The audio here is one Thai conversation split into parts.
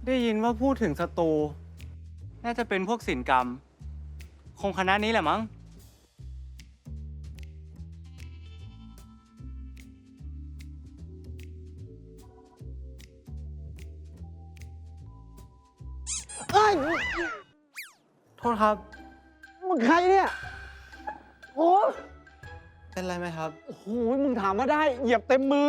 ได้ยินว่าพูดถึงสตูน่าจะเป็นพวกศิลปกรรม คงคณะนี้แหละมั้งเอ้ยโทษครับมึงใครเนี่ยโอ้เป็นไรไหมครับโอ้โหมึงถามมาได้เหยียบเต็มมือ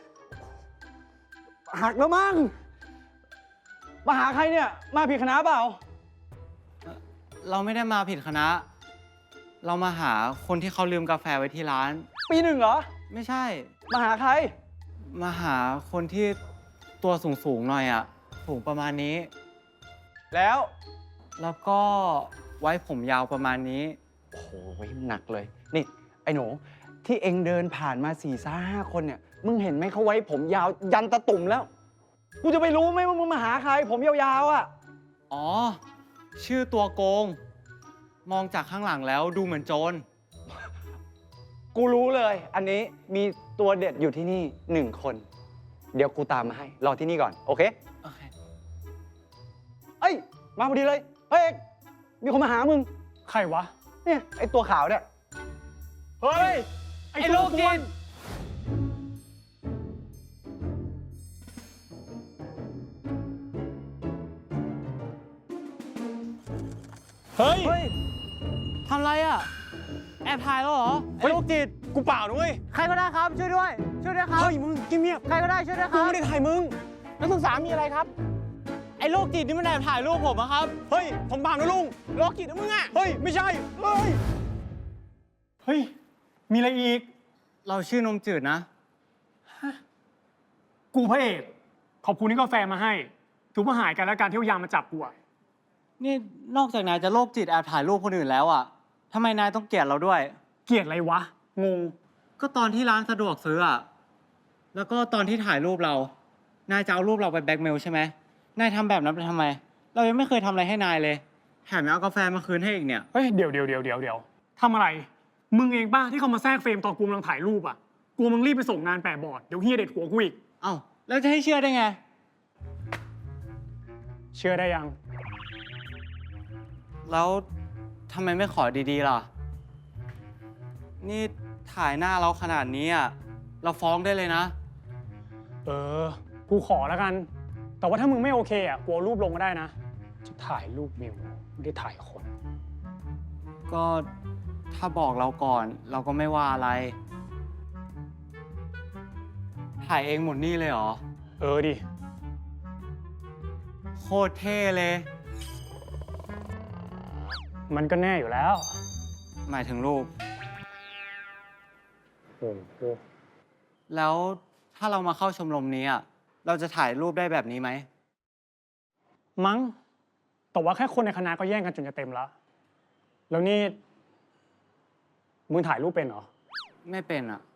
หักแล้วมั้งมาหาใครเนี่ย มาผิดคณะเปล่าเราไม่ได้มาผิดคณะ เรามาหาคนที่เขาลืมกาแฟไว้ที่ร้านปีหนึ่งเหรอไม่ใช่มาหาใครมาหาคนที่ตัวสูงๆหน่อยอะสูงประมาณนี้แล้วแล้วก็ไว้ผมยาวประมาณนี้โอ้โหหนักเลย นี่ ไอ้หนู ที่เองเดินผ่านมา4-5 คนเนี่ย มึงเห็นไหมเขาไว้ผมยาวยันตะตุ่มแล้ว กูจะไปรู้ไหมว่ามึงมาหาใคร ผมยาวๆอ่ะอ๋อ ชื่อตัวโกง มองจากข้างหลังแล้วดูเหมือนโจรกูรู้เลย อันนี้มีตัวเด็ดอยู่ที่นี่1 คน เดี๋ยวกูตามมาให้ รอที่นี่ก่อน โอเคโอเคเอ้ย มาพอดีเลย เฮ้ยเอกมีคนมาหามึงใครวะเนี่ย ไอ้ตัวขาวเนี่ยเฮ้ยไอ้โรคจิตเฮ้ยเฮ้ย ทำไรอ่ะ แอบถ่ายแล้วเหรอ ไอ้โรคจิตกูเปล่าด้วยใครก็ได้ครับ ช่วยด้วย ช่วยด้วยครับเฮ้ย มึงเงียบใครก็ได้ช่วยด้วยคกูรับไม่ได้ถ่ายมึง นักศึกษามีอะไรครับไอ้โรคจิตนี่มันแอบถ่ายรูปผมอะครับเฮ้ย ผมเปล่านะลุงโรคจิตนะมึงอ่ะ เฮ้ย ไม่ใช่ เฮ้ย เฮ้ย มีอะไรอีกเราชื่อนมจืดนะกูพระเอก ขอบคุณที่กาแฟมาให้ ถือว่าหายกันแล้วการที่เอายามมาจับกูอะนี่นอกจากนายจะโรคจิตแอบถ่ายรูปคนอื่นแล้วอะทำไมนายต้องเกลียดเราด้วยเกลียดอะไรวะ งงก็ตอนที่ร้านสะดวกซื้ออะแล้วก็ตอนที่ถ่ายรูปเรา นายจะเอารูปเราไปแบล็กเมลใช่ไหม นายทำแบบนั้นไปทำไม เรายังไม่เคยทำอะไรให้นายเลย แถมยังเอากาแฟมาคืนให้อีกเนี่ยเฮ้ย เดี๋ยวทำอะไร มึงเองป่ะที่เขามาแทรกเฟรมตอนกูกำลังถ่ายรูปอ่ะ กูมึงรีบไปส่งงานแปะบอร์ด เดี๋ยวเฮียเด็ดหัวกูอีกเอ้าแล้วจะให้เชื่อได้ไงเชื่อได้ยังแล้วทำไมไม่ขอดีๆล่ะ นี่ถ่ายหน้าเราขนาดนี้อะเราฟ้องได้เลยนะเออ กูขอแล้วกัน แต่ว่าถ้ามึงไม่โอเคอ่ะ กูเอารูปลงก็ได้นะ จะถ่ายรูปวิวไม่ได้ถ่ายคนก็ถ้าบอกเราก่อนเราก็ไม่ว่าอะไร ถ่ายเองหมดนี่เลยเหรอเออดิโคตรเท่เลยมันก็แน่อยู่แล้วหมายถึงรูปโอ้โหแล้วถ้าเรามาเข้าชมรมนี้อะเราจะถ่ายรูปได้แบบนี้ไหมมั้ง แต่ว่าแค่คนในคณะก็แย่งกันจนจะเต็มแล้ว แล้วนี่ มึงถ่ายรูปเป็นเหรอไม่เป็นอะ